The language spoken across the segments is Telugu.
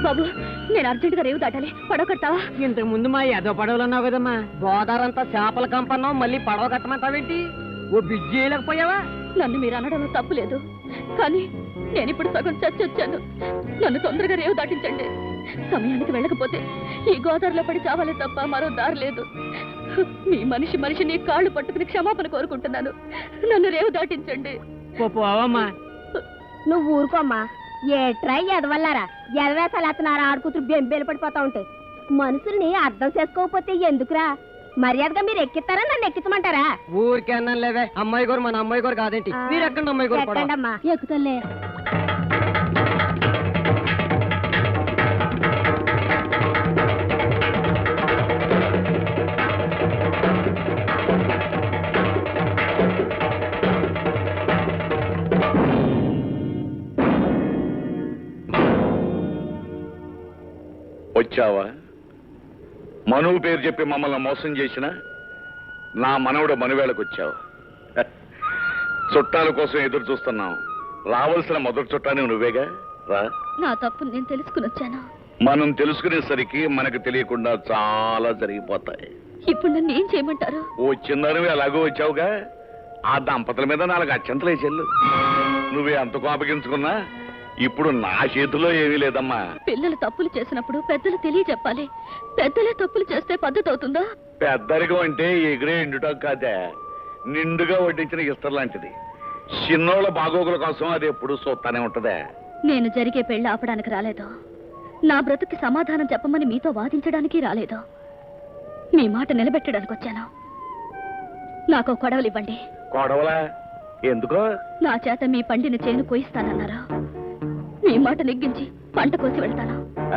బాబు నేను అర్జెంటుగా రేవు దాటాలి. పడవ కడతావా? ఇంతకు ముందు మా ఏదో పడవలు అన్నావు కదమ్మా. గోదావరంతా చేపల కంపన్నావు, మళ్ళీ పడవ కట్టమంటావేంటి? ఓ బిజ్జి చేయలేకపోయావా? నన్ను మీరు అనడంలో తప్పు లేదు, కానీ నేను ఇప్పుడు సగం చచ్చొచ్చాను. నన్ను తొందరగా రేవు దాటించండి. సమయానికి వెళ్ళకపోతే ఈ గోదావరిలో పడి చావాలే తప్ప మరో దారి లేదు. మీ మనిషిని కాళ్ళు పట్టుకుని క్షమాపణ కోరుకుంటున్నాను. నన్ను రేవు దాటించండి. పోవమ్మా. నువ్వు ఊరుకోమ్మా. ఏ ట్రై ఎదవల్లారా, ఎదవేసాలు ఎత్తనారా ఆడుకూతురు బెంబేలు పడిపోతా ఉంటాయి. మనుషుల్ని అర్థం చేసుకోకపోతే ఎందుకురా? మర్యాదగా మీరు ఎక్కిస్తారా, నన్ను ఎక్కించమంటారా? ఊరికే అన్నాను లేవే. అమ్మాయి గారు మన అమ్మాయి గారు కాదేంటి? మీరు ఎక్కండి అమ్మాయి గారు. ఎక్కండమ్మా. ఎక్కుతలే. వచ్చావా? మనువు పేరు చెప్పి మమ్మల్ని మోసం చేసిన నా మనవడు మనువేళకు వచ్చావు. చుట్టాల కోసం ఎదురు చూస్తున్నాం. రావాల్సిన మొదటి చుట్టాన్ని నువ్వేగా. రా. నా తప్పు నేను తెలుసుకుని వచ్చాను. మనం తెలుసుకునేసరికి మనకు తెలియకుండా చాలా జరిగిపోతాయి. ఇప్పుడు నన్ను ఏం చేయమంటారు? ఓ చిన్నవి ఎలాగో వచ్చావుగా, ఆ దంపతుల మీద 4 అత్యంతలే చెల్లు. నువ్వే అంత కోపగించుకున్నా ఇప్పుడు నా చేతిలో ఏమీ లేదమ్మా. పిల్లలు తప్పులు చేసినప్పుడు పెద్దలు తెలియజెప్పాలి. పెద్దలే తప్పులు చేస్తే పద్ధతి అవుతుందా? పెద్దరికం అంటే ఎగిరే ఎండుటం కాదే, నిండుగా వడ్డించిన ఇస్తర్ లాంటిది. చిన్నోళ్ళ బాగోగుల కోసం అది ఎప్పుడు చూస్తానే ఉంటదే. నేను జరిగే పెళ్లి ఆపడానికి రాలేదు. నా బ్రతుకి సమాధానం చెప్పమని మీతో వాదించడానికి రాలేదు. మీ మాట నిలబెట్టడానికి వచ్చాను. నాకు కొడవలు ఇవ్వండి. కొడవలా? ఎందుకో? నా చేత మీ పండిన చేను కోయిస్తానన్నారు. మీ మాట నెగ్గించి పంట కోసి వెళ్తాను.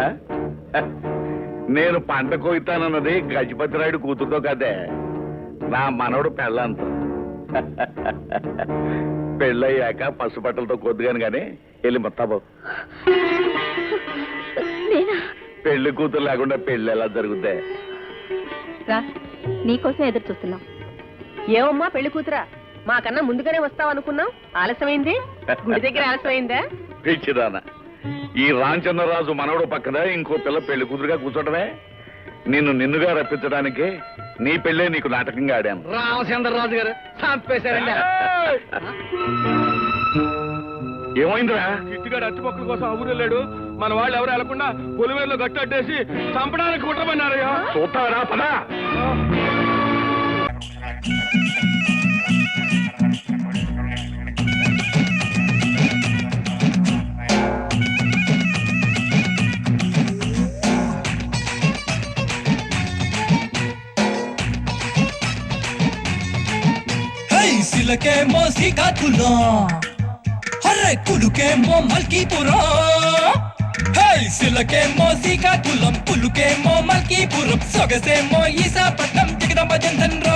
నేను పంట కోయితానన్నది గజపతిరాయుడు కూతురుతో కదే, నా మనవడు పెళ్ళంతో. పెళ్ళయ్యాక పసుపట్టలతో కొద్దిగాను గాని వెళ్ళి మొత్తాబో. పెళ్లి కూతురు లేకుండా పెళ్లి ఎలా జరుగుద్దే? నీకోసం ఎదురు చూస్తున్నాం. ఏమమ్మా పెళ్లి కూతురా, మాకన్నా ముందుగానే వస్తావు అనుకున్నాం. ఆలస్యమైంది. గుడి దగ్గర ఆలస్యమైందా? పిచ్చిదానా, ఈ రామచంద్రరాజు మనవడు పక్కన ఇంకో పిల్ల పెళ్లి కూతురుగా కూర్చోటమే. నిన్నుగా రప్పించడానికి నీ పెళ్ళే నీకు నాటకంగా ఆడాను. రామచంద్రరాజు గారు చంపేశారండి. ఏమైందిరా? చిట్టుగాడు అట్టుపక్కల కోసం ఆ ఊరు వెళ్ళాడు. మన వాళ్ళు ఎవరు వెళ్లకుండా పొలిమేరలో గట్టేసి చంపడానికి కుట్రమన్నారయ్యా. చూస్తావరా? పదా. సిలకేమో శ్రీకాకుళం, హర్రే కులుకేమో మల్కీపురం. సిలకేమో శ్రీకాకుళం, పులుకేమో మల్కీపురం, సొగసేమో ఈశాపట్నం, జగదంబ జంధన్.